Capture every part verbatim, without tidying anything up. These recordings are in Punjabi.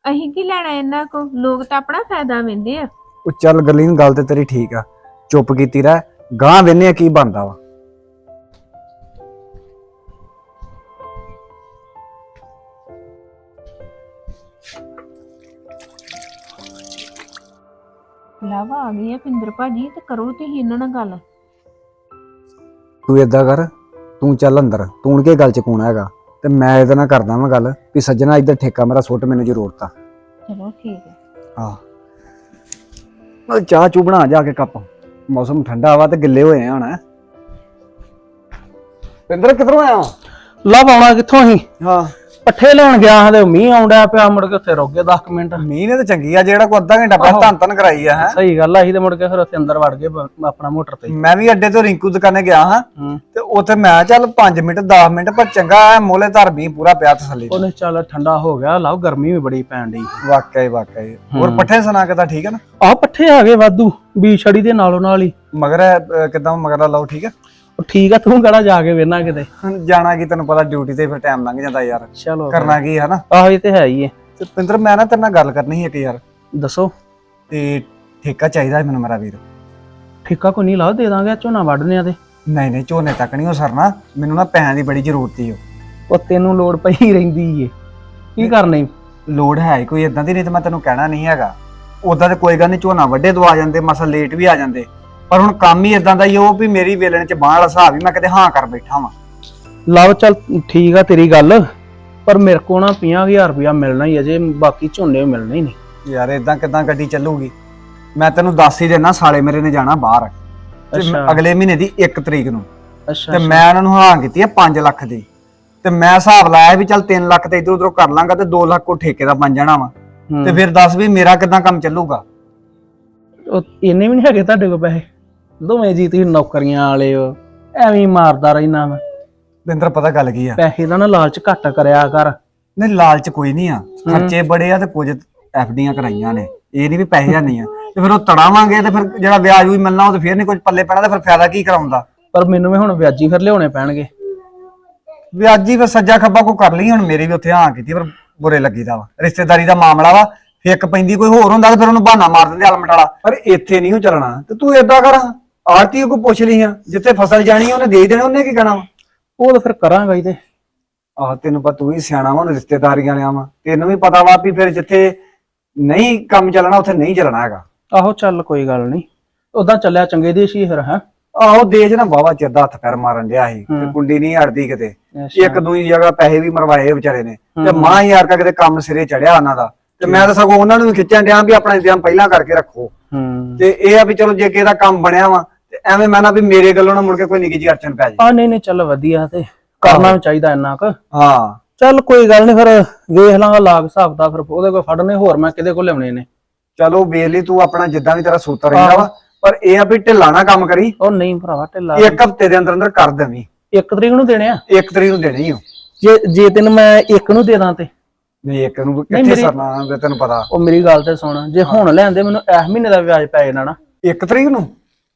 ਅਸੀਂ ਕੀ ਲੈਣਾ ਇਹਨਾਂ ਕੋ, ਲੋਕ ਤਾਂ ਆਪਣਾ ਫਾਇਦਾ ਲੈਂਦੇ ਆ। ਉਹ ਚੱਲ ਗੱਲੀ ਗੱਲ ਤੇ ਤੇਰੀ ਠੀਕ ਆ, ਚੁੱਪ ਕੀਤੀ ਰਹਿ, ਗਾਂ ਵੇਨੇ ਕੀ ਬਣਦਾ ਵਾ। ਲਾਵਾ ਆ ਗਈ ਆ ਪਿੰਦਰ ਭਾਜੀ, ਤੇ ਕਰੋ ਤੁਸੀਂ ਇਹਨਾਂ ਨਾਲ ਗੱਲ। ਤੂੰ ਏਦਾਂ ਕਰ, ਤੂੰ ਚੱਲ ਅੰਦਰ, ਤੂੰ ਕੇ ਗੱਲ ਚ ਕੌਣ ਹੈਗਾ, ਤੇ ਮੈਂ ਇਹਦੇ ਨਾਲ ਕਰਦਾ ਵਾਂ ਗੱਲ ਵੀ ਸੱਜਣਾ ਇੱਧਰ ਠੇਕਾ ਮੇਰਾ ਸੁੱਟ, ਮੈਨੂੰ ਜ਼ਰੂਰਤ ਆ। ਚਲੋ ਠੀਕ ਹੈ। ਹਾਂ ਮੈਂ ਚਾਹ ਚੂ ਬਣਾ ਜਾ ਕੇ ਕੱਪ, ਮੌਸਮ ਠੰਡਾ ਵਾ ਤੇ ਗਿੱਲੇ ਹੋਏ ਆ ਹੁਣ। ਪਿੰਦਰ ਕਿੱਧਰੋਂ ਆਇਆ? ਲੱਭ ਆਉਣਾ ਕਿੱਥੋਂ ਅਸੀਂ? ਹਾਂ ਪੱਠੇ ਲੈਣ ਗਿਆ ਹਾਂ ਤੇ ਮੀਂਹ ਆਉਂਦਾ ਪਿਆ, ਮੁੜ ਕੇ ਉੱਥੇ ਰੁਕ ਗਏ ਦਸ ਮਿੰਟ। ਮੀਂਹ ਨੇ ਤਾਂ ਚੰਗੀ ਆ, ਜਿਹੜਾ ਕੋ ਅੱਧਾ ਘੰਟਾ ਪਹਿਲਾਂ ਧੰਨ ਧੰਨ ਕਰਾਈ ਆ। ਹੈ ਸਹੀ ਗੱਲ ਆ, ਅਸੀਂ ਤੇ ਮੁੜ ਕੇ ਫਿਰ ਉੱਥੇ ਅੰਦਰ ਵੜ ਗਏ ਬ- ਆਪਣਾ ਮੋਟਰ ਤੇ। ਮੈਂ ਵੀ ਅੱਡੇ ਤੋਂ ਰਿੰਕੂ ਦੁਕਾਨੇ ਗਿਆ ਹਾਂ, ਹੂੰ ਤੇ ਉੱਥੇ ਮੈਂ ਚੱਲ ਪੰਜ ਮਿੰਟ ਦਸ ਮਿੰਟ ਪਰ ਚੰਗਾ ਐ, ਮੋਲੇ ਧਰ ਮੀਂਹ ਪੂਰਾ ਪਿਆ ਤਸੱਲੀ। ਉਹਨੇ ਚੱਲ ਠੰਡਾ ਹੋ ਗਿਆ, ਲਵ ਗਰਮੀ ਵੀ ਬੜੀ ਪੈਣ ਡਈ। ਵਾਕਿਆ ਹੀ ਵਾਕਿਆ ਹੀ। ਹੋਰ ਪੱਠੇ ਸੁਣਾ ਕਿਦਾਂ, ਠੀਕ ਹੈ ਨਾ? ਆਹ ਪੱਠੇ ਆ ਗਏ ਵਾਧੂ, ਬੀ ਛੜੀ ਦੇ ਨਾਲੋਂ ਨਾਲ ਹੀ। ਮਗਰ ਕਿਦਾਂ ਮਗਰ ਲਾਓ, ਠੀਕ ਹੈ? ਉਹ ਠੀਕ ਆ, ਤੂੰ ਕਿਹੜਾ ਜਾ ਕੇ ਵੇਨਾ ਕਿਤੇ। ਜਾਣਾ ਕੀ, ਤੈਨੂੰ ਪਤਾ ਡਿਊਟੀ ਤੇ ਫਿਰ ਟਾਈਮ ਲੰਘ ਜਾਂਦਾ ਯਾਰ, ਚਲੋ ਕਰਨਾ ਕੀ ਹੈ ਨਾ। ਆਹੋ ਇਹ ਤੇ ਹੈ ਹੀ ਹੈ। ਤੇ ਪਿੰਦਰ ਮੈਂ ਨਾ ਤੇਰੇ ਨਾਲ ਗੱਲ ਕਰਨੀ ਸੀ ਇੱਕ ਯਾਰ, ਦੱਸੋ। ਤੇ ਠੇਕਾ ਚਾਹੀਦਾ ਮੈਨੂੰ ਮੇਰਾ ਵੀਰ। ਠੇਕਾ ਕੋਈ ਨਹੀਂ ਲਾ, ਦੇ ਦਾਂਗੇ, ਝੋਨਾ ਵੱਢਨੇ ਆ ਤੇ। ਨਹੀਂ ਨਹੀਂ ਝੋਨੇ ਤੱਕ ਨਹੀਂ ਹੋ ਸਰਨਾ, ਮੈਨੂੰ ਨਾ ਪੈਸਿਆਂ ਦੀ ਬੜੀ ਜ਼ਰੂਰਤ ਈ ਓ। ਉਹ ਤੈਨੂੰ ਲੋੜ ਪਈ ਰਹਿੰਦੀ ਏ, ਕੀ ਕਰਨੀ? ਲੋੜ ਹੈ ਕੋਈ ਇਦਾਂ ਦੀ, ਨਹੀਂ ਤੇ ਮੈਂ ਤੈਨੂੰ ਕਹਿਣਾ ਨਹੀਂ ਹੈਗਾ। ਉਦਾਂ ਤੇ ਕੋਈ ਗੱਲ ਨਹੀਂ, ਝੋਨਾ ਵੱਡੇ ਤੋਂ ਆ ਜਾਂਦੇ, ਮਸਾ ਲੇਟ ਵੀ ਆ ਜਾਂਦੇ, ਪਰ ਹੁਣ ਕੰਮ ਹੀ ਇਦਾਂ ਦਾ ਹੀ ਉਹ ਵੀ ਮੇਰੀ ਵੇਲਣ ਚ ਬਾਂਹ ਵਾਲਾ ਹਿਸਾਬ ਹੀ, ਮੈਂ ਕਿਤੇ ਹਾਂ ਕਰ ਬੈਠਾ ਵਾਂ। ਲਵ ਚੱਲ ਠੀਕ ਆ ਤੇਰੀ ਗੱਲ, ਪਰ ਮੇਰੇ ਕੋਲ ਨਾ ਪੰਜਾਹ ਹਜ਼ਾਰ ਰੁਪਇਆ ਮਿਲਣਾ ਹੀ ਅਜੇ, ਬਾਕੀ ਝੋਨੇ ਮਿਲਣੇ ਹੀ ਨਹੀਂ। ਯਾਰ ਇਦਾਂ ਕਿਦਾਂ ਗੱਡੀ ਚੱਲੂਗੀ? ਮੈਂ ਤੈਨੂੰ ਦੱਸ ਹੀ ਦੇਣਾ, ਸਾਲੇ ਮੇਰੇ ਨੇ ਜਾਣਾ ਬਾਹਰ ਤੇ ਅੱਛਾ। ਅਗਲੇ ਮਹੀਨੇ ਦੀ ਇੱਕ ਤਰੀਕ ਨੂੰ, ਅੱਛਾ ਤੇ ਮੈਂ ਉਹਨਾਂ ਨੂੰ ਹਾਂ ਕੀਤੀ ਹੈ ਪੰਜ ਲੱਖ ਦੀ, ਤੇ ਮੈਂ ਹਿਸਾਬ ਲਾਇਆ ਵੀ ਚੱਲ ਤਿੰਨ ਲੱਖ ਤੇ ਇਧਰ ਉਧਰੋਂ ਕਰ ਲਾਂਗਾ, ਤੇ ਦੋ ਲੱਖ ਕੋ ਠੇਕੇ ਦਾ ਬਣ ਜਾਣਾ ਵਾ। ਤੇ ਫਿਰ ਦੱਸ ਵੀ ਮੇਰਾ ਕਿਦਾਂ ਕੰਮ ਚੱਲੂਗਾ? ਉਹ ਇੰਨੇ ਵੀ ਨਹੀਂ ਹੈਗੇ ਤੁਹਾਡੇ ਕੋਲ ਪੈਸੇ? ਦੋਵੇਂ ਜੀ ਤੁਸੀਂ ਨੌਕਰੀਆਂ ਵਾਲੇ ਹੋ, ਐਵੇਂ ਹੀ ਮਾਰਦਾ ਰਹਿਣਾ ਮੈਂ। ਬਿੰਦਰ ਪਤਾ ਗੱਲ ਕੀ ਆ, ਪੈਸੇ ਦਾ ਨਾ ਲਾਲਚ ਘੱਟ ਕਰਿਆ ਕਰ। ਨਹੀਂ ਲਾਲਚ ਕੋਈ ਨਹੀਂ ਆ, ਖਰਚੇ ਬੜੇ ਆ, ਤੇ ਕੁਝ ਐਫ ਡੀਆਂ ਕਰਾਈਆਂ ਨੇ, ਇਹ ਨਹੀਂ ਵੀ ਪੈਸੇ ਨਹੀਂ ਆ, ਤੇ ਫਿਰ ਉਹ ਤੜਾਵਾਂਗੇ ਤੇ ਫਿਰ ਜਿਹੜਾ ਵਿਆਜ ਵੀ ਮਿਲਣਾ ਉਹ ਤੇ ਫਿਰ ਨਹੀਂ ਕੁਝ ਪੱਲੇ ਪੈਣਾ, ਤੇ ਫਿਰ ਫਾਇਦਾ ਕੀ ਕਰਾਉਂਦਾ? ਪਰ ਮੈਨੂੰ ਵੀ ਹੁਣ ਵਿਆਜੀ ਫਿਰ ਲਿਆਉਣੇ ਪੈਣਗੇ। ਵਿਆਜੀ ਫਿਰ ਸੱਜਾ ਖੱਬਾ ਕੋ ਕਰ ਲਈ, ਹੁਣ ਮੇਰੀ ਵੀ ਉੱਥੇ ਹਾਂ ਕੀਤੀ, ਪਰ ਬੁਰੇ ਲੱਗੀਦਾ ਵਾ, ਰਿਸ਼ਤੇਦਾਰੀ ਦਾ ਮਾਮਲਾ ਵਾ, ਫਿੱਕ ਪੈਂਦੀ ਕੋਈ ਹੋਰ ਹੁੰਦਾ ਤੇ ਫਿਰ ਉਹਨੂੰ ਬਹਾਨਾ ਮਾਰ ਦਿੰਦੇ ਅਲਮਟਾਲਾ। ਪਰ ਇੱਥੇ ਨਹੀਂ ਉਹ ਚੱਲਣਾ, ਤੇ ਤੂੰ ਏਦਾਂ ਕਰ, ਆਰਤੀ ਕੋ ਪੁੱਛ ਲਈ ਆ, ਜਿੱਥੇ ਫਸਲ ਜਾਣੀ ਉਹਨੇ ਦੇ ਦੇਣਾ, ਉਹਨੇ ਕੀ ਕਹਿਣਾ ਵਾ? ਉਹ ਤਾਂ ਫਿਰ ਕਰਾਂਗਾ ਹੀ। ਤੇ ਆਹ ਤੈਨੂੰ ਪਤਾ, ਤੂੰ ਹੀ ਸਿਆਣਾ ਵਾ, ਰਿਸ਼ਤੇਦਾਰੀਆਂ ਲਿਆ ਵਾ, ਤੈਨੂੰ ਵੀ ਪਤਾ ਵਾ ਵੀ ਫਿਰ ਜਿੱਥੇ ਨਹੀਂ ਕੰਮ ਚੱਲਣਾ ਉੱਥੇ ਨਹੀਂ ਚੱਲਣਾ ਹੈਗਾ। ਆਹੋ ਚੱਲ ਕੋਈ ਗੱਲ ਨਹੀਂ, ਉਦਾਂ ਚੱਲਿਆ ਚੰਗੇ ਦੇ ਸੀ ਫਿਰ। ਹੈ ਆਹੋ ਦੇਜ ਨਾ ਬਾਵਾ ਚਿਰ ਦਾ ਹੱਥ ਪੈਰ ਮਾਰਨ ਡਿਆ ਸੀ, ਤੇ ਕੁੰਡੀ ਨਹੀਂ ਅੜਦੀ ਕਿਤੇ, ਇੱਕ ਦੂਜੀ ਜਗ੍ਹਾ ਪੈਸੇ ਵੀ ਮਰਵਾਏ ਵਿਚਾਰੇ ਨੇ, ਤੇ ਮਾਂ ਯਾਰ ਕਾ ਕਿਤੇ ਕੰਮ ਸਿਰੇ ਚੜਿਆ ਉਹਨਾਂ ਦਾ, ਤੇ ਮੈਂ ਤਾਂ ਸਗੋਂ ਉਹਨਾਂ ਨੂੰ ਵੀ ਖਿੱਚਣ ਡਿਆ ਵੀ ਆਪਣਾ ਇੰਤਜ਼ਾਮ ਪਹਿਲਾਂ ਕਰਕੇ ਰੱਖੋ। ਤੇ ਇਹ ਆ ਵੀ ਚਲੋ ਜੇ ਕਿਸੇ ਦਾ ਕੰਮ ਬਣਿਆ ਵਾ, ਤੇ ਐਵੇਂ ਮੈਂ ਨਾ ਵੀ ਮੇਰੇ ਗੱਲੋਂ ਨਾ ਮੁੜ ਕੇ ਕੋਈ ਨਿੱਕੀ ਜਿਹੀ ਅੜਚਨ ਪੈ ਜਾਏ। ਆ ਨਹੀਂ ਨਹੀਂ ਚੱਲ ਵਧੀਆ, ਤੇ ਕਰਨਾ ਵੀ ਚਾਹੀਦਾ ਇੰਨਾ ਕੁ। ਹਾਂ ਚੱਲ ਕੋਈ ਗੱਲ ਨਹੀਂ, ਫਿਰ ਵੇਖ ਲਾਂਗਾ ਲਾਗ ਹਿਸਾਬ ਦਾ, ਫਿਰ ਉਹਦੇ ਕੋਲ ਫੜਨੇ ਹੋਰ ਮੈਂ ਕਿਹਦੇ ਕੋਲ ਲਿਆਉਣੇ ਨੇ। ਚਲੋ ਵੇਖ ਲਈ ਤੂੰ, ਆਪਣਾ ਜਿੱਦਾਂ ਵੀ ਤੇਰਾ ਸੂਤਰ ਰਹਿੰਦਾ ਵਾ, ਪਰ ਇਹ ਆ ਵੀ ਢਿੱਲਾ ਨਾ ਕੰਮ ਕਰੀ। ਉਹ ਨਹੀਂ ਭਰਾਵਾ ਢਿੱਲਾ, ਇੱਕ ਹਫ਼ਤੇ ਦੇ ਅੰਦਰ ਅੰਦਰ ਕਰ ਦੇਵੀਂ। ਇੱਕ ਤਰੀਕ ਨੂੰ ਦੇਣੇ ਆ? ਇੱਕ ਤਰੀਕ ਨੂੰ ਦੇਣੀ ਓ। ਜੇ ਜੇ ਤੈਨੂੰ ਮੈਂ ਇੱਕ ਨੂੰ ਦੇ ਦਾਂ ਤੇ? ਨਹੀਂ ਇੱਕ ਨੂੰ ਕਿੱਥੇ ਸਰਨਾ, ਤੈਨੂੰ ਪਤਾ। ਉਹ ਮੇਰੀ ਗੱਲ ਤੇ ਸੁਣ, ਜੇ ਹੁਣ ਲੈਂਦੇ ਮੈਨੂੰ ਇਸ ਮਹੀਨੇ ਦਾ ਵਿਆਜ ਪੈ ਜਾਣਾ ਨਾ। ਇੱਕ ਤਰੀਕ ਨੂੰ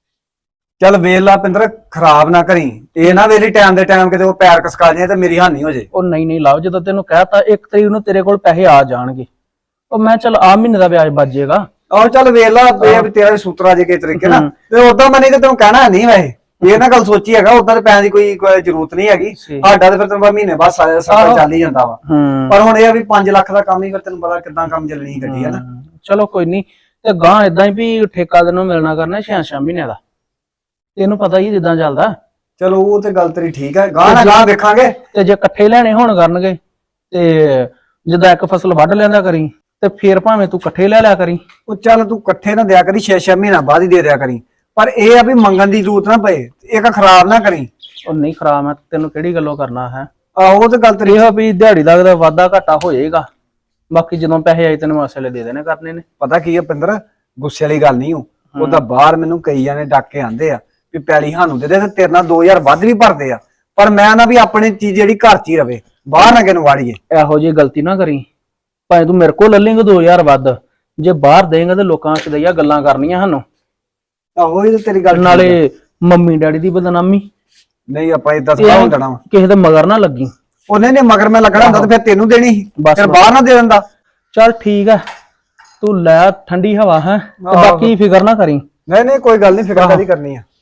ਚੱਲ ਵੇਖ ਲਾ ਪਿੰਦਰ, ਖਰਾਬ ਨਾ ਕਰੀ, ਇਹ ਨਾ ਵੇਲੀ ਟਾਈਮ ਦੇ ਟਾਈਮ ਕਿਤੇ ਉਹ ਪੈਰ ਕਸਕਾ ਜੇ ਤੇ ਮੇਰੀ ਹਾਨੀ ਹੋ ਜੇ। ਉਹ ਨਹੀਂ ਨਹੀਂ ਲਾਓ, ਜਦੋਂ ਤੈਨੂੰ ਕਹਿਤਾ ਇੱਕ ਤਰੀਕ ਨੂੰ ਤੇਰੇ ਕੋਲ ਪੈਸੇ ਆ ਜਾਣਗੇ, ਉਹ ਮੈਂ ਚੱਲ ਆ ਮਹੀਨੇ ਦਾ ਵਿਆਜ ਬਚ ਜਾਏਗਾ। ਆਹੋ ਚੱਲ ਵੇਖ ਲਾ, ਇਹ ਵੀ ਤੇਰਾ ਸੂਤਰਾ ਜੇ ਕਿਸੇ ਤਰੀਕੇ ਨਾਲ, ਤੇ ਉਦਾਂ ਮੈਂ ਨਹੀਂ ਤੇ ਤੈਨੂੰ ਕਹਿਣਾ ਨਹੀਂ, ਵੈਸੇ ਇਹ ਨਾ ਗੱਲ ਸੋਚੀ ਹੈਗਾ, ਉਦਾਂ ਤੇ ਪੈਸੇ ਦੀ ਕੋਈ ਕੋਈ ਜ਼ਰੂਰਤ ਨਹੀਂ ਹੈਗੀ ਸਾਡਾ, ਤੇ ਫਿਰ ਤੈਨੂੰ ਮਹੀਨੇ ਬਾਅਦ ਸਾਰਾ ਚੱਲ ਹੀ ਜਾਂਦਾ ਵਾ। ਪਰ ਹੁਣ ਇਹ ਆ ਵੀ ਪੰਜ ਲੱਖ ਦਾ ਕੰਮ ਹੀ, ਫਿਰ ਤੈਨੂੰ ਪਤਾ ਕਿੱਦਾਂ ਕੰਮ ਚੱਲਣੀ ਗੱਡੀ ਹੈ ਨਾ। ਚਲੋ ਕੋਈ ਨਹੀਂ, ਤੇ ਗਾਂ ਏਦਾਂ ਹੀ ਵੀ ਠੇਕਾ ਤੈਨੂੰ ਮਿਲਣਾ ਕਰਨਾ ਛੇ ਛੇ ਮਹੀਨਿਆਂ ਦਾ, ਤੈਨੂੰ ਪਤਾ ਹੀ ਜਿੱਦਾਂ ਚੱਲਦਾ। ਚਲੋ ਉਹ ਤੇ ਗੱਲ ਤੇਰੀ ਠੀਕ ਹੈ, ਗਾਂ ਨਾ ਗਾਂ ਵੇਖਾਂਗੇ। ਤੇ ਜੇ ਇਕੱਠੇ ਲੈਣੇ ਹੋਣ ਕਰਨਗੇ, ਤੇ ਜਿੱਦਾਂ ਇੱਕ ਫਸਲ ਵੱਢ ਲੈਂਦਾ ਕਰੀ, ਤੇ ਫੇਰ ਭਾਵੇਂ ਤੂੰ ਇਕੱਠੇ ਲੈ ਲਿਆ ਕਰੀ। ਉਹ ਚੱਲ ਤੂੰ ਇਕੱਠੇ ਨਾ ਦਿਆ ਕਰੀ, ਛੇ ਛੇ ਮਹੀਨਾ ਬਾਅਦ ਹੀ ਦੇ ਦਿਆ ਕਰੀ, ਪਰ ਇਹ ਆ ਵੀ ਮੰਗਣ ਦੀ ਜ਼ਰੂਰਤ ਨਾ ਪਏ, ਇੱਕ ਖਰਾਬ ਨਾ ਕਰੀ। ਉਹ ਨਹੀਂ ਖਰਾਬ, ਮੈਂ ਤੈਨੂੰ ਕਿਹੜੀ ਗੱਲੋਂ ਕਰਨਾ ਹੈ। ਆਹੋ ਉਹ ਤੇ ਗੱਲ ਤੇਰੀ, ਇਹ ਵੀ ਦਿਹਾੜੀ ਦਾ ਵਾਧਾ ਘਾਟਾ ਹੋ ਜਾਏਗਾ, ਬਾਕੀ ਜਦੋਂ ਪੈਸੇ ਆਏ ਤੈਨੂੰ ਮਸਲੇ ਦੇ ਦੇਣੇ ਕਰਨੇ ਨੇ। ਪਤਾ ਕੀ ਆ ਪਿੰਦਰ, ਗੁੱਸੇ ਵਾਲੀ ਗੱਲ ਨਹੀਂ, ਉਹ ਉਹਦਾ ਬਾਹਰ ਮੈਨੂੰ ਕਈ ਜਾਣੇ ਡੱਕ ਕੇ ਆਂਦੇ ਆ ਵੀ ਪੈਲੀ ਸਾਨੂੰ ਦੇ ਦੇ, ਤੇ ਤੇਰੇ ਨਾਲ ਦੋ ਹਜ਼ਾਰ ਵੱਧ ਵੀ ਭਰਦੇ ਆ, ਪਰ ਮੈਂ ਨਾ ਵੀ ਆਪਣੀ ਚੀਜ਼ ਜਿਹੜੀ ਘਰ ਚ ਹੀ ਰਵੇ, ਬਾਹਰ ਨਾ ਕਿਨੂੰ ਵਾੜੀਏ। ਇਹੋ ਜਿਹੀ ਗਲਤੀ ਨਾ ਕਰੀ, ਭਾਵੇਂ ਤੂੰ ਮੇਰੇ ਕੋਲ ਲੈ ਲੇਂਗਾ ਦੋ ਹਜ਼ਾਰ ਵੱਧ, ਜੇ ਬਾਹਰ ਦੇਂਗਾ ਤੇ ਲੋਕਾਂ ਸਦਈਆ ਗੱਲਾਂ ਕਰਨੀਆਂ ਸਾਨੂੰ। ਆਹੋ ਇਹ ਤੇ ਤੇਰੀ ਗੱਲ, ਨਾਲੇ ਮੰਮੀ ਡੈਡੀ ਦੀ ਬਦਨਾਮੀ। ਨਹੀਂ ਆਪਾਂ ਇਦਾਂ ਸਲਾਹ ਹੋ ਜਾਣਾ, ਕਿਸੇ ਦੇ ਮਗਰ ਨਾ ਲੱਗੀ। ਉਹਨੇ ਨੇ ਮਗਰ ਮੈਂ ਲੱਗਣਾ ਹੁੰਦਾ ਤੇ ਫਿਰ ਤੈਨੂੰ ਦੇਣੀ ਸੀ, ਫਿਰ ਬਾਹਰ ਨਾ ਦੇ ਦਿੰਦਾ। ਚੱਲ ਠੀਕ ਆ, ਤੂੰ ਲੈ ਠੰਡੀ ਹਵਾ ਹੈ ਤੇ ਆਹੋ। ਬਾਕੀ ਫਿਕਰ ਨਾ ਕਰੀ। ਨਹੀਂ ਨਹੀਂ ਕੋਈ ਗੱਲ ਨਹੀਂ, ਫਿਕਰ ਆਹੋ। ਕਾਹਦੀ ਕਰਨੀ ਆ।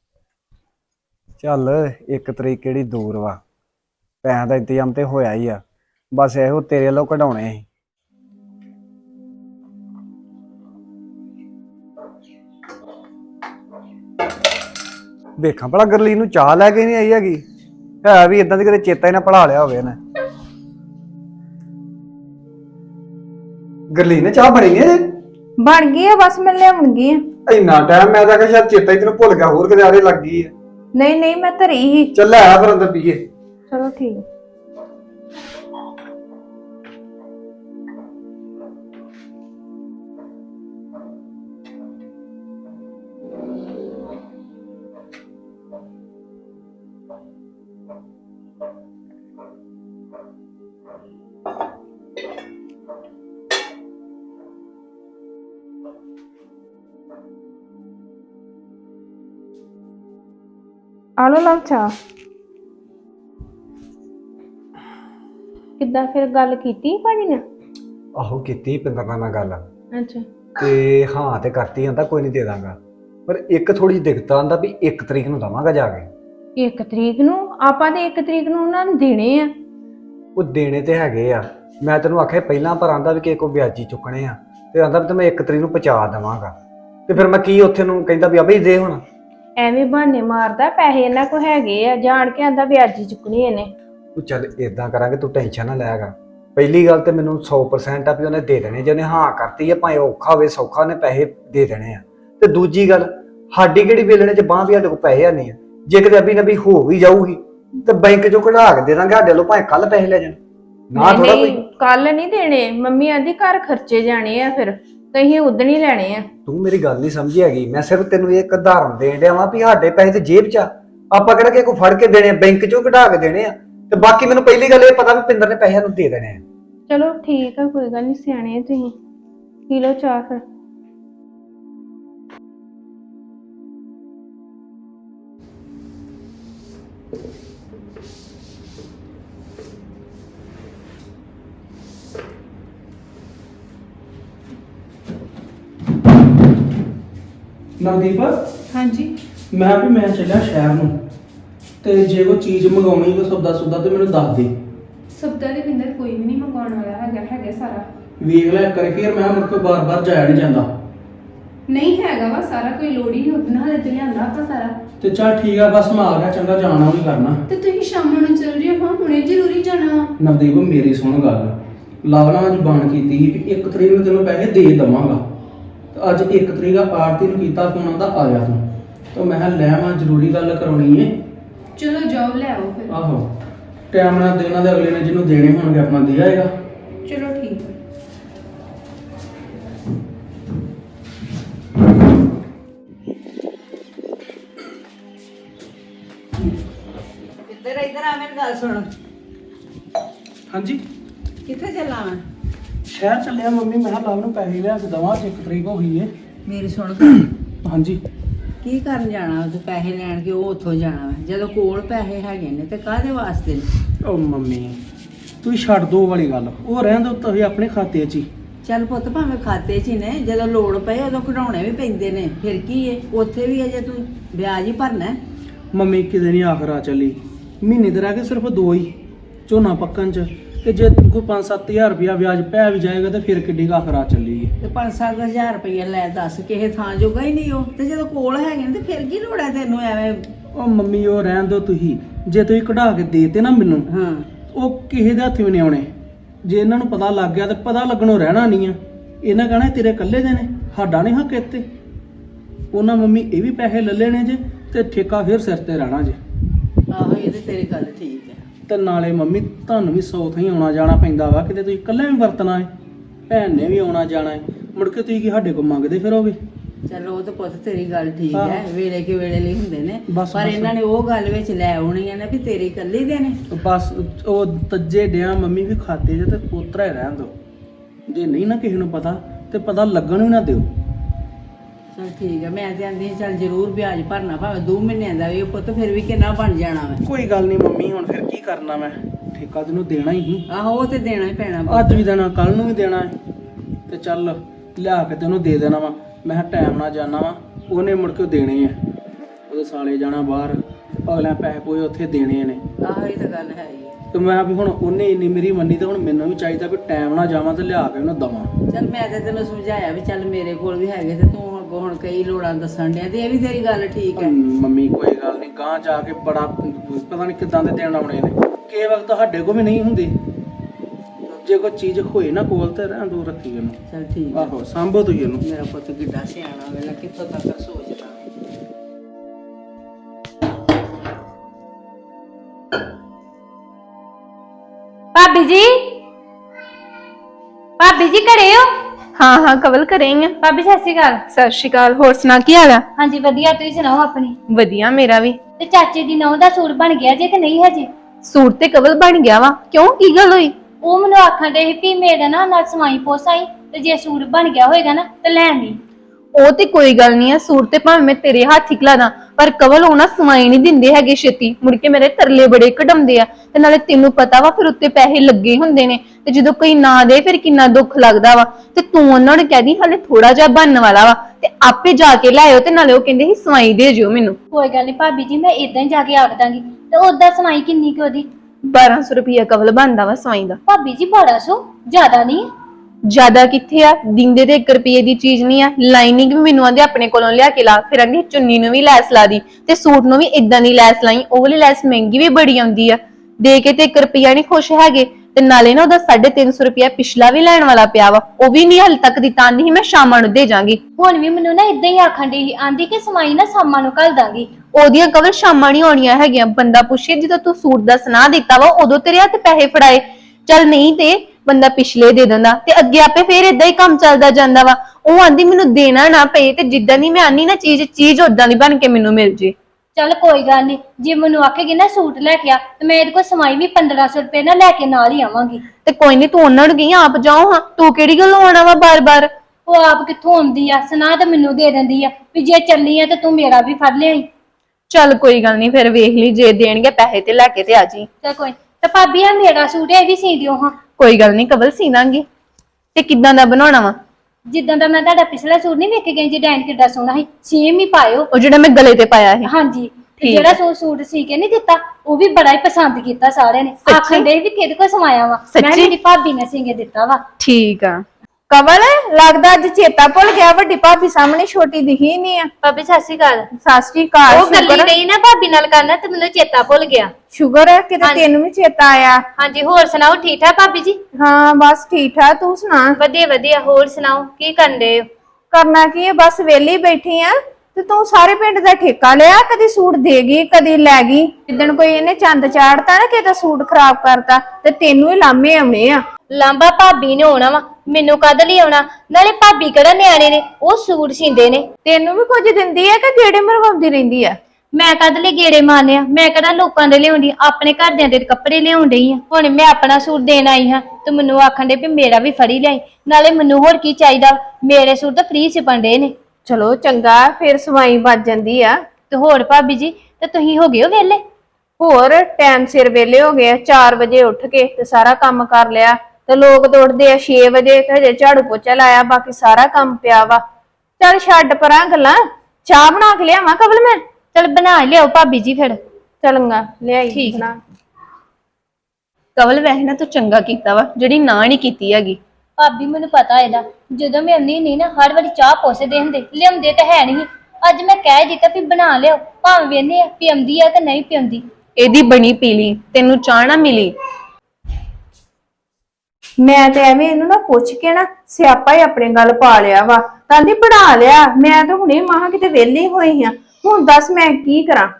ਚੱਲ ਇੱਕ ਤਰੀਕ ਕਿਹੜੀ ਦੂਰ ਵਾ, ਪੈਸਿਆਂ ਦਾ ਇੰਤਜ਼ਾਮ ਤੇ ਹੋਇਆ ਹੀ ਆ, ਬਸ ਇਹੋ ਤੇਰੇ ਵੱਲੋਂ ਕਢਾਉਣੇ ਸੀ। ਵੇਖਾਂ ਭਲਾ ਗਰਲੀ ਨੂੰ ਚਾਹ ਲੈ ਕੇ ਨਹੀਂ ਆਈ ਹੈਗੀ, ਹੈ ਵੀ ਇਦਾਂ ਦੀ ਕਦੇ ਚੇਤਾ ਹੀ ਨਾ ਭੁਲਾ ਲਿਆ ਹੋਵੇ ਇਹਨੇ। ਗਰਲੀ ਨੇ ਚਾਹ ਬਣੀ ਹੈ ਬਣ ਗਈ ਆ, ਬਸ ਮੈਂ ਲਿਆਉਣਗੀ ਆ। ਇੰਨਾ ਟਾਈਮ ਮੈਂ ਤਾਂ ਕਿਹਾ ਸ਼ਾਇਦ ਚੇਤਾ ਹੀ ਤੈਨੂੰ ਭੁੱਲ ਗਿਆ, ਹੋਰ ਕਿਤੇ ਆਰੇ ਲੱਗ ਗਈ ਹੈ। ਨਹੀਂ ਨਹੀਂ ਮੈਂ ਧਰੀ ਹੀ। ਚੱਲ ਲੈ ਆ ਫਿਰ ਅੰਦਰ ਪੀਏ। ਚਲੋ ਠੀਕ। ਆਲੋ ਲਓ ਚਾਹ। ਕਿੱਦਾਂ ਫਿਰ ਗੱਲ ਕੀਤੀ ਭਾਜੀ ਨੇ? ਆਹੋ ਕੀਤੀ ਪਿੰਦਰ ਨਾਲ ਮੈਂ ਗੱਲ, ਅੱਛਾ ਤੇ ਹਾਂ ਤੇ ਕਰਤੀ, ਆਂਦਾ ਕੋਈ ਨਹੀਂ ਦੇ ਦਾਂਗਾ, ਪਰ ਇੱਕ ਥੋੜੀ ਦਿੱਕਤ ਆਂਦਾ ਵੀ ਇੱਕ ਤਰੀਕ ਨੂੰ ਦਵਾਂਗਾ ਜਾ ਕੇ। ਇੱਕ ਤਰੀਕ ਨੂੰ? ਆਪਾਂ ਤੇ ਇੱਕ ਤਰੀਕ ਨੂੰ ਉਹਨਾਂ ਨੂੰ ਦੇਣੇ ਆ। ਉਹ ਦੇਣੇ ਤੇ ਹੈਗੇ ਆ, ਮੈਂ ਤੈਨੂੰ ਆਖਿਆ ਪਹਿਲਾਂ, ਪਰ ਆਂਦਾ ਵੀ ਕਿਸੇ ਕੋ ਵਿਆਜੀ ਚੁੱਕਣੇ ਆ, ਤੇ ਆਂਦਾ ਵੀ ਤੇ ਮੈਂ ਇੱਕ ਤਰੀਕ ਨੂੰ ਪਹੁੰਚਾ ਦੇਵਾਂਗਾ। ਤੇ ਫਿਰ ਮੈਂ ਕੀ ਉੱਥੇ ਨੂੰ ਕਹਿੰਦਾ ਵੀ ਆ ਬਈ ਦੇ ਹੁਣ। ਐਵੇਂ ਬਹਾਨੇ ਮਾਰਦਾ, ਪੈਸੇ ਇਹਨਾਂ ਕੋ ਹੈਗੇ ਆ, ਜਾਣ ਕੇ ਆਂਦਾ ਵਿਆਜੀ ਚੁੱਕਣੀ ਇਹਨੇ। ਉਹ ਚੱਲ ਏਦਾਂ ਕਰਾਂਗੇ, ਤੂੰ ਟੈਨਸ਼ਨ ਨਾ ਲੈਗਾ। ਪਹਿਲੀ ਗੱਲ ਤੇ ਮੈਨੂੰ ਸੌ ਪ੍ਰਸੈਂਟ ਆ ਵੀ ਉਹਨੇ ਦੇ ਦੇਣੇ, ਜੇ ਉਹਨੇ ਹਾਂ ਕਰਤੀ ਆ, ਭਾਵੇਂ ਔਖਾ ਹੋਵੇ ਸੌਖਾ, ਉਹਨੇ ਪੈਸੇ ਦੇ ਦੇਣੇ ਆ। ਤੇ ਦੂਜੀ ਗੱਲ, ਸਾਡੀ ਕਿਹੜੀ ਵੇਲਣੇ ਚ ਬਾਂਹ ਵੀ ਸਾਡੇ ਕੋਲ ਪੈਸੇ ਨਹੀਂ ਆ, ਜੇ ਕਿਤੇ ਅਭੀ ਨਬੀ ਹੋ ਵੀ ਜਾਊਗੀ ਤੇ ਬੈਂਕ ਚੋਂ ਕਢਾ ਕੇ ਦੇ ਦਾਂਗੇ, ਸਾਡੇ ਵੱਲੋਂ ਭਾਵੇਂ ਕੱਲ ਪੈਸੇ ਲੈ ਜਾਣ ਨਾ। ਥੋੜਾ ਕੋਈ ਕੱਲ ਨਹੀਂ ਦੇਣੇ, ਮੰਮੀ ਆਂਦੀ ਘਰ ਖਰਚੇ ਜਾਣੇ ਆ, ਫਿਰ ਕਹੀਂ ਉਦਣ ਹੀ ਲੈਣੇ ਆ। ਤੂੰ ਮੇਰੀ ਗੱਲ ਨਹੀਂ ਸਮਝੀ ਹੈਗੀ, ਮੈਂ ਸਿਰਫ ਤੈਨੂੰ ਇਹ ਉਦਾਹਰਨ ਦੇਣ ਡਿਆ ਵਾਂ ਵੀ ਸਾਡੇ ਪੈਸੇ ਤੇ ਜੇਬ 'ਚ ਆ, ਆਪਾਂ ਕਿਹੜਾ ਕਿਸੇ ਕੋ ਫੜ ਕੇ ਦੇਣੇ, ਬੈਂਕ ਚੋਂ ਕਢਾ ਕੇ ਦੇਣੇ ਆ। ਤੇ ਬਾਕੀ ਮੈਨੂੰ ਪਹਿਲੀ ਗੱਲ ਇਹ ਪਤਾ ਵੀ ਪਿੰਦਰ ਨੇ ਪੈਸਿਆਂ ਨੂੰ ਦੇ ਦੇਣੇ ਆ। ਚਲੋ ਠੀਕ ਆ, ਕੋਈ ਗੱਲ ਨਹੀਂ, ਸਿਆਣੇ ਆ ਤੁਸੀਂ। ਪੀ ਲਓ ਚਾਹ ਫਿਰ। ਨਵਦੀਪ, ਹਾਂਜੀ ਮੈਂ ਵੀ ਮੈਂ ਚੱਲਿਆ ਸ਼ਹਿਰ ਨੂੰ, ਤੇ ਜੇ ਕੋਈ ਚੀਜ਼ ਮੰਗਾਉਣੀ ਕੋਈ ਸੌਦਾ ਸੁਦਾ ਤੇ ਮੈਨੂੰ ਦੱਸ ਦੇ। ਸਬਦਾ ਦੇ ਬਿੰਦਰ ਕੋਈ ਵੀ ਨਹੀਂ ਮੰਗਾਉਣ ਵਾਲਾ ਹੈਗਾ, ਹੈਗਾ ਸਾਰਾ। ਵੇਖ ਲੈ ਕਰੇ, ਫਿਰ ਮੈਂ ਮੁੜ ਕੇ ਬਾਰ-ਬਾਰ ਜਾਇਆ ਨਹੀਂ ਜਾਂਦਾ। ਨਹੀਂ ਹੈਗਾ ਵਾ ਸਾਰਾ, ਕੋਈ ਲੋੜ ਹੀ ਨਹੀਂ ਉਤਨਾ, ਹਲੇ ਤੇ ਲਿਆਂਦਾ ਆਪਾਂ ਸਾਰਾ। ਤੇ ਚੱਲ ਠੀਕ ਆ, ਬਸ ਮੈਂ ਆ ਗਿਆ, ਚੰਗਾ ਜਾਣਾ ਵੀ ਕਰਨਾ। ਤੇ ਤੁਸੀਂ ਸ਼ਾਮ ਨੂੰ ਚੱਲ ਰਹੇ ਹੋ, ਹੁਣੇ ਜ਼ਰੂਰੀ ਜਾਣਾ ਵਾ। ਨਵਦੀਪ ਮੇਰੀ ਸੁਣ ਗੱਲ, ਲਾਵਣਾ ਜ਼ਬਾਨ ਕੀਤੀ ਸੀ ਵੀ ਇੱਕ ਤਰੀਕ ਨੂੰ ਤੈਨੂੰ ਪੈਸੇ ਦੇ ਦਵਾਂਗਾ, ਤੇ ਅੱਜ ਇੱਕ ਤਰੀਕ ਆ, ਆਰਤੀ ਨੂੰ ਕੀਤਾ ਫੋਨ, ਆਂਦਾ ਆ ਜਾ ਤੂੰ। ਤਾਂ ਮੈਂ ਕਿਹਾ ਲੈ ਮੈਂ ਜ਼ਰੂਰੀ ਗੱਲ ਕਰਾਉਣੀ ਏ। ਚਲੋ ਜਾਓ ਲੈ ਆਓ ਫਿਰ। ਆਹੋ ਟਾਈਮ ਨਾਲ ਦੇਣਾ, ਦੇ ਅਗਲੇ ਨੇ ਜਿਹਨੂੰ ਦੇਣੇ ਹੋਣਗੇ ਆਪਣਾ ਦੇ ਆਏਗਾ। ਚਲੋ ਠੀਕ ਹੈ। ਇੱਧਰ ਇੱਧਰ ਆ, ਮੇਰੀ ਗੱਲ ਸੁਣ। ਹਾਂਜੀ ਕਿੱਥੇ ਚੱਲਾਂ ਮੈਂ? ਸ਼ਹਿਰ ਚੱਲਿਆ ਮੰਮੀ, ਮੈਂ ਕਿਹਾ ਲਾਵ ਨੂੰ ਪੈਸੇ ਲਿਆ ਕੇ ਦਵਾਂ, ਅੱਜ ਇੱਕ ਤਰੀਕ ਹੋ ਗਈ ਏ। ਮੇਰੀ ਸੁਣ ਗੱਲ। ਹਾਂਜੀ ਕੀ ਕਰਨ ਜਾਣਾ ਤੂੰ? ਪੈਸੇ ਲੈਣ ਕੇ ਉਹ ਉੱਥੋਂ ਜਾਣਾ ਵਾ, ਜਦੋਂ ਕੋਲ ਪੈਸੇ ਹੈਗੇ ਨੇ ਤੇ ਕਾਹਦੇ ਵਾਸਤੇ ਨੇ? ਉਹ ਮੰਮੀ ਤੂੰ ਛੱਡ ਦੋ ਵਾਲੀ ਗੱਲ, ਉਹ ਰਹਿਣ ਦੋ ਤੁਸੀਂ ਆਪਣੇ ਖਾਤੇ 'ਚ ਹੀ। ਚੱਲ ਪੁੱਤ ਭਾਵੇਂ ਖਾਤੇ 'ਚ ਹੀ ਨੇ, ਜਦੋਂ ਲੋੜ ਪਏ ਉਦੋਂ ਕਢਾਉਣੇ ਵੀ ਪੈਂਦੇ ਨੇ, ਫਿਰ ਕੀ ਏ? ਉੱਥੇ ਵੀ ਅਜੇ ਤੂੰ ਵਿਆਜ ਹੀ ਭਰਨਾ ਹੈ। ਮੰਮੀ ਕਿਤੇ ਨਹੀਂ ਆਖਰ ਆ ਚੱਲੀ, ਮਹੀਨੇ ਦੇ ਰਹਿ ਗਏ ਸਿਰਫ ਦੋ ਹੀ ਝੋਨਾ ਪੱਕਣ 'ਚ, ਤੇ ਜੇ ਕੋਈ ਪੰਜ ਸੱਤ ਹਜ਼ਾਰ ਰੁਪਇਆ ਵਿਆਜ ਪੈ ਵੀ ਜਾਏਗਾ ਤੇ ਫਿਰ ਕਿੱਡੀ ਕੁ ਆਖਰ ਆ ਚੱਲੀ ਏ। ਤੇ ਪੰਜ ਸੱਤ ਹਜ਼ਾਰ ਰੁਪਈਆ ਲੈ ਦੱਸ, ਕਿਸੇ ਥਾਂ ਜੋਗਾ ਹੀ ਨਹੀਂ ਉਹ, ਤੇ ਜਦੋਂ ਕੋਲ ਹੈਗੇ ਨੇ ਤੇ ਫਿਰ ਕੀ ਲੋੜ ਹੈ ਤੈਨੂੰ ਐਵੇਂ? ਉਹ ਮੰਮੀ ਉਹ ਰਹਿਣ ਦੋ ਤੁਸੀਂ, ਜੇ ਤੁਸੀਂ ਕਢਾ ਕੇ ਦੇਤੇ ਨਾ ਮੈਨੂੰ, ਹਾਂ ਉਹ ਕਿਸੇ ਦੇ ਹੱਥ ਵੀ ਨਹੀਂ ਆਉਣੇ। ਜੇ ਇਹਨਾਂ ਨੂੰ ਪਤਾ ਲੱਗ ਗਿਆ ਤੇ ਪਤਾ ਲੱਗਣੋਂ ਰਹਿਣਾ ਨਹੀਂ ਆ, ਇਹਨਾਂ ਕਹਿਣਾ ਤੇਰੇ ਇਕੱਲੇ ਦੇ ਨੇ, ਸਾਡਾ ਨਹੀਂ ਹੱਕ ਇੱਥੇ। ਉਹਨਾਂ ਮੰਮੀ ਇਹ ਵੀ ਪੈਸੇ ਲੈ ਲੈਣੇ ਜੇ, ਤੇ ਠੇਕਾ ਫਿਰ ਸਿਰ ਤੇ ਰਹਿਣਾ ਜੇ। ਆਹੋ ਇਹ ਤੇ ਤੇਰੀ ਗੱਲ ਠੀਕ ਹੈ। ਤੇ ਨਾਲੇ ਮੰਮੀ ਤੁਹਾਨੂੰ ਵੀ ਸੌ ਥਾਂ ਹੀ ਆਉਣਾ ਜਾਣਾ ਪੈਂਦਾ ਵਾ, ਕਿਤੇ ਤੁਸੀਂ ਇਕੱਲੇ ਵੀ ਵਰਤਣਾ ਹੈ, ਭੈਣ ਨੇ ਵੀ ਆਉਣਾ ਜਾਣਾ ਹੈ, ਮੁੜ ਕੇ ਤੁਸੀਂ ਕੀ ਸਾਡੇ ਕੋਲ ਮੰਗਦੇ ਫਿਰੋਗੇ? ਚਲੋ ਉਹ ਤਾਂ ਪੁੱਤ ਤੇਰੀ ਗੱਲ ਠੀਕ ਹਾਂ। ਹੈ, ਵੇਲੇ ਕਿ ਵੇਲੇ ਲਈ ਹੁੰਦੇ ਨੇ, ਬਸ, ਪਰ ਬਸ। ਇਹਨਾਂ ਨੇ ਉਹ ਗੱਲ ਵਿੱਚ ਲੈ ਆਉਣੀ ਹੈ ਨਾ ਵੀ ਤੇਰੀ ਇਕੱਲੀ ਦੇ ਨੇ। ਬਸ ਉਹ ਤੱਜੇ ਡਿਆ ਮੰਮੀ ਵੀ ਖਾਤੇ 'ਚ, ਤੇ ਉਤਰਾ ਹੀ ਰਹਿਣ ਦਿਓ। ਜੇ ਨਹੀਂ ਨਾ ਕਿਸੇ ਨੂੰ ਪਤਾ ਤੇ ਪਤਾ ਲੱਗਣ ਵੀ ਨਾ ਦਿਓ। ਚਲ ਠੀਕ ਹੈ, ਮੈਂ ਤੇ ਆਂਦੀ ਹਾਂ ਚੱਲ ਜ਼ਰੂਰ ਵਿਆਜ ਭਰਨਾ, ਭਾਵੇਂ ਦੋ ਮਹੀਨਿਆਂ ਦਾ ਵੀ, ਉਹ ਪੁੱਤ ਫਿਰ ਵੀ ਕਿੰਨਾ ਬਣ ਜਾਣਾ ਵਾ। ਕੋਈ ਗੱਲ ਨਹੀਂ ਮੰਮੀ, ਹੁਣ ਫਿਰ ਕੀ ਕਰਨਾ ਮੈਂ, ਠੇਕਾ ਤੈਨੂੰ ਦੇਣਾ ਹੀ ਸੀ। ਆਹੋ ਉਹ ਤੇ ਦੇਣਾ ਹੀ ਪੈਣਾ ਵਾ। ਅੱਜ ਵੀ ਦੇਣਾ, ਕੱਲ ਨੂੰ ਵੀ ਦੇਣਾ ਹੈ ਤੇ ਚੱਲ ਲਿਆ ਕੇ ਤੈਨੂੰ ਦੇ ਦੇਣਾ ਵਾ। ਮੈਂ ਕਿਹਾ ਟਾਈਮ ਨਾਲ ਜਾਣਾ ਵਾ, ਉਹਨੇ ਮੁੜ ਕੇ ਦੇਣੇ ਆ, ਉਹਦੇ ਸਾਲੇ ਜਾਣਾ ਬਾਹਰ, ਅਗਲੇ ਪੈਸੇ ਪੂਏ ਉੱਥੇ ਦੇਣੇ ਨੇ। ਆਹੋ ਇਹ ਤਾਂ ਗੱਲ ਹੈ ਹੀ ਆ। ਤੇ ਮੈਂ ਵੀ ਹੁਣ ਉਹਨੇ ਇੰਨੀ ਮੇਰੀ ਮੰਨੀ ਤੇ ਹੁਣ ਮੈਨੂੰ ਵੀ ਚਾਹੀਦਾ ਵੀ ਟਾਈਮ ਨਾਲ ਜਾਵਾਂ ਤੇ ਲਿਆ ਕੇ ਉਹਨੂੰ ਦਵਾਂ। ਚੱਲ ਮੈਂ ਤੇ ਤੈਨੂੰ ਸਮਝਾਇਆ ਵੀ ਚੱਲ ਮੇਰੇ ਕੋਲ ਵੀ ਹੈਗੇ ਤੇ ਤੂੰ ਅੱਗੋਂ ਹੁਣ ਕਈ ਲੋੜਾਂ ਦੱਸਣ ਡਿਆ ਤੇ ਇਹ ਵੀ ਤੇਰੀ ਗੱਲ ਠੀਕ ਹੈ। ਮੰਮੀ ਕੋਈ ਗੱਲ ਨਹੀਂ, ਗਾਂ ਜਾ ਕੇ ਬੜਾ ਪਤਾ ਨਹੀਂ ਕਿੱਦਾਂ ਦੇ ਦਿਨ ਆਉਣੇ ਨੇ, ਕਿਸੇ ਵਕਤ ਸਾਡੇ ਕੋਲ ਵੀ ਨਹੀਂ ਹੁੰਦੇ। ਜੇ ਕੋਈ ਚੀਜ਼ ਹੋਏ ਨਾ ਕੋਲ ਤੇ ਰਹਿਣ ਦੂਰ ਰੱਖੀ ਇਹਨੂੰ। ਚੱਲ ਠੀਕ ਆ। ਆਹੋ ਸੰਭੋ ਤੁਸੀਂ ਇਹਨੂੰ। ਮੇਰਾ ਪੁੱਤ ਕਿੱਡਾ ਸਿਆਣਾ ਵੇਲਾ ਕਿੱਥੋਂ ਤੱਕ ਸੋਚਦਾ। ਭਾਬੀ ਜੀ, ਭਾਬੀ ਜੀ ਘਰੇ ਹੋ? ਹਾਂ ਹਾਂ ਕਵਲ ਕਰੇਂਗੇ। ਭਾਬੀ ਸਤਿ ਸ਼੍ਰੀ ਅਕਾਲ। ਸਤਿ ਸ਼੍ਰੀ ਅਕਾਲ। ਹੋਰ ਸੁਣਾ ਕੀ ਹਾਲ ਆ? ਹਾਂਜੀ ਵਧੀਆ, ਤੁਸੀਂ ਸੁਣਾਓ ਆਪਣੀ? ਵਧੀਆ ਮੇਰਾ ਵੀ। ਤੇ ਚਾਚੇ ਦੀ ਨੌਂ ਦਾ ਸੂਟ ਬਣ ਗਿਆ ਜੇ ਕਿ ਨਹੀਂ ਹਜੇ? ਸੂਟ ਤੇ ਕਵਲ ਬਣ ਗਿਆ ਵਾ। ਕਿਉਂ, ਕੀ ਗੱਲ ਹੋਈ? ਉਹ ਮੈਨੂੰ ਆਖਣ ਦੇ ਵੀ ਮੇਰਾ ਨਾ ਨਾਲ ਸਵਾਈ ਪੋਸਾਈ ਤੇ ਜੇ ਸੂਟ ਬਣ ਗਿਆ ਹੋਏਗਾ ਨਾ ਤੇ ਲੈ ਆਵੀਂ। ਉਹ ਤੇ ਕੋਈ ਗੱਲ ਨਹੀਂ ਆ, ਸੂਟ ਤੇ ਭਾਵੇਂ ਮੈਂ ਤੇਰੇ ਹੱਥ ਹੀ ਖਿਲਾ ਪਰ ਕਵਲ ਹੋਣਾ ਸਵਾਈ ਨਹੀਂ ਦਿੰਦੇ ਹੈਗੇ ਛੇਤੀ, ਮੁੜ ਕੇ ਮੇਰੇ ਤਰਲੇ ਬੜੇ ਕਢਾਉਂਦੇ ਆ। ਤੇ ਨਾਲੇ ਤੈਨੂੰ ਪਤਾ ਵਾ ਫਿਰ ਉੱਤੇ ਪੈਸੇ ਲੱਗੇ ਹੁੰਦੇ ਨੇ ਤੇ ਜਦੋਂ ਕੋਈ ਨਾ ਦੇ ਫਿਰ ਕਿੰਨਾ ਦੁੱਖ ਲੱਗਦਾ ਵਾ। ਤੇ ਤੂੰ ਉਹਨਾਂ ਨੂੰ ਕਹਿ ਦੀ ਹਾਲੇ ਥੋੜਾ ਜਿਹਾ ਬਣਨ ਵਾਲਾ ਵਾ ਤੇ ਆਪੇ ਜਾ ਕੇ ਲਾਇਓ। ਤੇ ਨਾਲੇ ਉਹ ਕਹਿੰਦੇ ਸੀ ਸਵਾਈ ਦੇ ਜਿਓ ਮੈਨੂੰ। ਕੋਈ ਗੱਲ ਨਹੀਂ ਭਾਬੀ ਜੀ, ਮੈਂ ਇਦਾਂ ਹੀ ਜਾ ਕੇ ਆਖ ਦਾਂਗੀ। ਤੇ ਉਹਦਾ ਸਵਾਈ ਕਿੰਨੀ ਕੁ ਉਹਦੀ? ਬਾਰਾਂ ਸੌ ਰੁਪਇਆ ਕਵਲ ਬਣਦਾ ਵਾ ਸਵਾਈ ਦਾ। ਭਾਬੀ ਜੀ ਬਾਰਾਂ ਸੌ ਜ਼ਿਆਦਾ ਨਹੀਂ? ਜ਼ਿਆਦਾ ਕਿੱਥੇ ਆ, ਦਿੰਦੇ ਤੇ ਇੱਕ ਰੁਪਏ ਦੀ ਚੀਜ਼ ਨਹੀਂ ਆ। ਲਾਈਨਿੰਗ ਵੀ ਮੈਨੂੰ ਆਂਦੇ ਆਪਣੇ ਕੋਲੋਂ ਲਿਆ ਕੇ ਲਾ, ਫਿਰ ਆਂਦੇ ਚੁੰਨੀ ਨੂੰ ਵੀ ਲੈਸ ਲਾ ਦੀ ਤੇ ਸੂਟ ਨੂੰ ਵੀ ਇਦਾਂ ਦੀ ਲੈਸ ਲਾਈ। ਉਹ ਵਾਲੀ ਲੈਸ ਮਹਿੰਗੀ ਵੀ ਬੜੀ ਆਉਂਦੀ ਆ, ਦੇ ਕੇ ਤੇ ਇੱਕ ਰੁਪਿਆ ਨਹੀਂ ਖੁਸ਼ ਹੈਗੇ। ਤੇ ਨਾਲੇ ਨਾ ਉਹਦਾ ਸਾਢੇ ਤਿੰਨ ਸੌ ਰੁਪਇਆ ਪਿਛਲਾ ਵੀ ਲੈਣ ਵਾਲਾ ਪਿਆ ਵਾ, ਉਹ ਵੀ ਨਹੀਂ ਹਾਲੇ ਤੱਕ ਦਿੱਤਾ। ਆਂਦੀ ਮੈਂ ਸ਼ਾਮਾਂ ਨੂੰ ਦੇ ਜਾਾਂਗੀ। ਹੁਣ ਵੀ ਮੈਨੂੰ ਨਾ ਇਦਾਂ ਹੀ ਆਖਣ ਦੀ ਸੀ, ਆਂਦੀ ਕਿ ਸਵਾਈ ਨਾ ਸ਼ਾਮਾਂ ਨੂੰ ਘੱਲ ਦਾਂਗੀ। ਉਹਦੀਆਂ ਕਵਲ ਸ਼ਾਮਾਂ ਨਹੀਂ ਆਉਣੀਆਂ ਹੈਗੀਆਂ। ਬੰਦਾ ਪੁੱਛੇ ਜਦੋਂ ਤੂੰ ਸੂਟ ਦਾ ਸੁਣਾ ਦਿੱਤਾ ਵਾ ਉਦੋਂ ਤੇਰੇ ਹੱਥ ਪੈਸੇ ਫੜਾਏ, ਚੱਲ ਨਹੀਂ ਤੇ ਬੰਦਾ ਪਿਛਲੇ ਦੇ ਦਿੰਦਾ ਤੇ ਅੱਗੇ ਆਪੇ ਫੇਰ ਏਦਾਂ ਹੀ ਕੰਮ ਚੱਲਦਾ ਜਾਂਦਾ ਵਾ। ਉਹ ਆਂਦੀ ਮੈਨੂੰ ਦੇਣਾ ਨਾ ਪਏ ਤੇ ਜਿੱਦਾਂ ਦੀ ਮੈਂ ਆਨੀ ਨਾ ਚੀਜ਼ ਚੀਜ਼ ਉਦਾਂ ਦੀ ਬਣ ਕੇ ਮੈਨੂੰ ਮਿਲ ਜੇ। ਚੱਲ ਕੋਈ ਗੱਲ ਨਹੀਂ, ਜੇ ਮੈਨੂੰ ਆਖੇਗੀ ਨਾ ਸੂਟ ਲੈ ਕੇ ਆ ਤੇ ਮੈਂ ਇਹਦੇ ਕੋਲ ਸਮਾਈ ਵੀ ਪੰਦਰਾਂ ਸੌ ਰੁਪਏ ਨਾਲ ਲੈ ਕੇ ਨਾਲ ਹੀ ਆਵਾਂਗੀ। ਤੇ ਕੋਈ ਨਹੀਂ, ਤੂੰ ਉਹਨਾਂ ਨੂੰ ਕਹੀਂ ਆਪ ਜਾਓ। ਹਾਂ ਤੂੰ ਕਿਹੜੀ ਗੱਲ ਆਉਣਾ ਵਾ ਬਾਰ-ਬਾਰ? ਉਹ ਆਪ ਕਿੱਥੋਂ ਆਉਂਦੀ ਆ, ਸੁਣਾ ਤੇ ਮੈਨੂੰ ਦੇ ਦਿੰਦੀ ਆ ਵੀ ਜੇ ਚੱਲੀ ਆ ਤੇ ਤੂੰ ਮੇਰਾ ਵੀ ਫੜ ਲਿਆਈ। ਚੱਲ ਕੋਈ ਗੱਲ ਨਹੀਂ, ਫਿਰ ਵੇਖ ਲਈ ਜੇ ਦੇਣਗੇ ਪੈਸੇ ਤੇ ਲੈ ਕੇ ਤੇ ਆ ਜੀ। ਚੱਲ ਕੋਈ ਤੇ ਭਾਬੀ ਆ ਮੇਰਾ ਸੂਟ ਇਹ ਵੀ ਸੀ ਦਿਓ ਹਾਂ। ਕੋਈ ਗੱਲ ਨਹੀਂ ਕਵਲ, ਸੀ ਦਾਂਗੇ। ਤੇ ਕਿੱਦਾਂ ਦਾ ਬਣਾਉਣਾ ਵਾ? ਜਿੱਦਾਂ ਦਾ ਮੈਂ ਤੁਹਾਡਾ ਪਿਛਲਾ ਸੂਟ ਨਹੀਂ ਵੇਖ ਕੇ ਗਈ, ਡਿਜ਼ਾਈਨ ਕਿੱਡਾ ਸੋਹਣਾ ਸੀ, ਸੇਮ ਹੀ ਪਾਇਓ। ਉਹ ਜਿਹੜਾ ਮੈਂ ਗਲੇ ਤੇ ਪਾਇਆ ਸੀ? ਹਾਂਜੀ। ਤੇ ਠੀਕ ਜਿਹੜਾ ਸੂਟ ਸੂਟ ਸੀ ਕੇ ਨਹੀਂ ਦਿੱਤਾ ਉਹ ਵੀ ਬੜਾ ਹੀ ਪਸੰਦ ਕੀਤਾ ਸਾਰਿਆਂ ਨੇ। ਸੱਚੀ? ਆਖਣ ਦੇ ਵੀ ਕਿਹਦੇ ਕੋਲ ਸਮਾਇਆ ਵਾ। ਮੈਂ ਸੱਚੀ? ਮੇਰੀ ਭਾਬੀ ਨੇ ਸੀਗੇ ਦਿੱਤਾ ਵਾ। ਠੀਕ ਆ। ਕਵਲ ਲੱਗਦਾ ਅੱਜ ਚੇਤਾ ਭੁੱਲ ਗਿਆ, ਵੱਡੀ ਭਾਬੀ ਸਾਹਮਣੇ ਛੋਟੀ ਦਿਖੀ ਨਹੀਂ ਆ। ਭਾਬੀ ਸਤਿ ਸ਼੍ਰੀ ਅਕਾਲ। ਸਤਿ ਸ਼੍ਰੀ ਅਕਾਲ। ਉਹ ਗੱਲੀ ਨਹੀਂ ਨਾ ਭਾਬੀ ਨਾਲ ਕਰਨਾ ਤੇ ਮੈਨੂੰ ਚੇਤਾ ਭੁੱਲ ਗਿਆ। ਸ਼ੁਗਰ ਹੈ ਕਿਤੇ ਤੈਨੂੰ ਵੀ ਚੇਤਾ ਆਇਆ। ਹਾਂਜੀ, ਹੋਰ ਸੁਣਾਓ, ਠੀਕ ਠਾਕ ਭਾਬੀ ਜੀ? ਹਾਂ ਬਸ ਠੀਕ ਠਾਕ, ਤੂੰ ਸੁਣਾ? ਵਧੀਆ ਵਧੀਆ, ਹੋਰ ਸੁਣਾਓ ਕੀ ਕਰਦੇ ਹੋ? ਕਰਨਾ ਕੀ ਹੈ, ਬਸ ਵਿਹਲੀ ਬੈਠੀ ਆ। ਤੇ ਤੂੰ ਸਾਰੇ ਪਿੰਡ ਦਾ ਠੇਕਾ ਲਿਆ, ਕਦੀ ਸੂਟ ਦੇ ਗਈ ਕਦੀ ਲੈ ਗਈ। ਜਿੱਦਣ ਕੋਈ ਇਹਨੇ ਚੰਦ ਚਾੜਤਾ ਨਾ ਕਿਤੇ ਸੂਟ ਖਰਾਬ ਕਰਤਾ ਤੇ ਤੈਨੂੰ ਹੀ ਲਾਮੇ ਆਉਣੇ ਆ। ਲਾਂਬਾ ਭਾਬੀ ਨੇ ਆਉਣਾ ਵਾ, ਮੈਨੂੰ ਕਦ ਲਈ ਆਉਣਾ? ਨਾਲੇ ਭਾਬੀ ਕਿਹੜਾ ਨਿਆਣੇ ਨੇ, ਉਹ ਸੂਟ ਸੀਂਦੇ ਨੇ। ਤੈਨੂੰ ਵੀ ਕੁਝ ਦਿੰਦੀ ਆ ਕਿ ਗੇੜੇ ਮਰਵਾਉਂਦੀ ਰਹਿੰਦੀ ਆ? ਮੈਂ ਕਦ ਲਈ ਗੇੜੇ ਮਾਰਨੇ ਆ? ਮੈਂ ਕਿਹੜਾ ਲੋਕਾਂ ਦੇ ਲਿਆਉਂਦੀ, ਆਪਣੇ ਘਰਦਿਆਂ ਦੇ ਕੱਪੜੇ ਲਿਆਉਣ ਡਈ ਆ। ਹੁਣ ਮੈਂ ਆਪਣਾ ਸੂਟ ਦੇਣ ਆਈ ਹਾਂ ਤੇ ਮੈਨੂੰ ਆਖਣ ਦੇ ਵੀ ਮੇਰਾ ਵੀ ਫੜੀ ਲਿਆਈ। ਨਾਲੇ ਮੈਨੂੰ ਹੋਰ ਕੀ ਚਾਹੀਦਾ, ਮੇਰੇ ਸੂਟ ਤਾਂ ਫ੍ਰੀ ਸਿਪਣ ਦੇ ਨੇ। ਚਲੋ ਚੰਗਾ, ਫਿਰ ਸਵਾਈ ਵੱਜ ਜਾਂਦੀ ਆ। ਤੇ ਹੋਰ ਭਾਬੀ ਜੀ, ਤੇ ਤੁਸੀਂ ਹੋ ਗਏ ਹੋ ਵਿਹਲੇ? ਹੋਰ ਟਾਈਮ ਸਿਰ ਵੇਲੇ ਹੋ ਗਏ, ਚਾਰ ਵਜੇ ਉੱਠ ਕੇ ਤੇ ਸਾਰਾ ਕੰਮ ਕਰ ਲਿਆ। ਤੇ ਲੋਕ ਤਾਂ ਉੱਠਦੇ ਆ ਛੇ ਵਜੇ ਤੇ ਹਜੇ ਝਾੜੂ ਪੋਚਾ ਲਾਇਆ, ਬਾਕੀ ਸਾਰਾ ਕੰਮ ਪਿਆ ਵਾ। ਚੱਲ ਛੱਡ ਪਰਾਂ ਗੱਲਾਂ, ਚਾਹ ਬਣਾ ਕੇ ਲਿਆਵਾਂ ਕਵਲ ਮੈਂ? ਚਲ ਬਣਾ ਲਿਆਓ ਭਾਬੀ ਜੀ ਫਿਰ। ਚਲੂੰਗਾ ਲਿਆਈ ਠੀਕ ਬਣਾ। ਕਵਲ ਵੈਸੇ ਨਾ ਤੂੰ ਚੰਗਾ ਕੀਤਾ ਵਾ ਜਿਹੜੀ ਨਾ ਨਹੀਂ ਕੀਤੀ ਹੈਗੀ। ਭਾਬੀ ਮੈਨੂੰ ਪਤਾ ਇਹਦਾ, ਜਦੋਂ ਮੈਂ ਆਉਂਦੀ ਨਹੀਂ ਨਾ ਹਰ ਵਾਰੀ ਚਾਹ ਪੁੱਛਦੇ ਹੁੰਦੇ, ਲਿਆਉਂਦੇ ਤਾਂ ਹੈ ਨਹੀਂ। ਅੱਜ ਮੈਂ ਕਹਿ ਦਿੱਤਾ ਵੀ ਬਣਾ ਲਿਓ, ਭਾਵੇਂ ਵੇਨੇ ਆ ਪਿਆਉਂਦੀ ਆ ਤੇ ਨਹੀਂ ਪਿਆਉਂਦੀ। ਇਹਦੀ ਬਣੀ ਪੀਲੀ ਤੈਨੂੰ ਚਾਹ ਨਾ ਮਿਲੀ। ਮੈਂ ਤੇ ਐਵੇਂ ਇਹਨੂੰ ਨਾ ਪੁੱਛ ਕੇ ਨਾ ਸਿਆਪਾ ਹੀ ਆਪਣੇ ਗੱਲ ਪਾ ਲਿਆ ਵਾ। ਕਹਿੰਦੀ ਬਣਾ ਲਿਆ, ਮੈਂ ਤਾਂ ਹੁਣੇ ਮਾਂ ਕਿਤੇ ਵਿਹਲੀ ਹੋਈ ਆ। ਹੁਣ ਦੱਸ ਮੈਂ ਕੀ ਕਰਾਂ?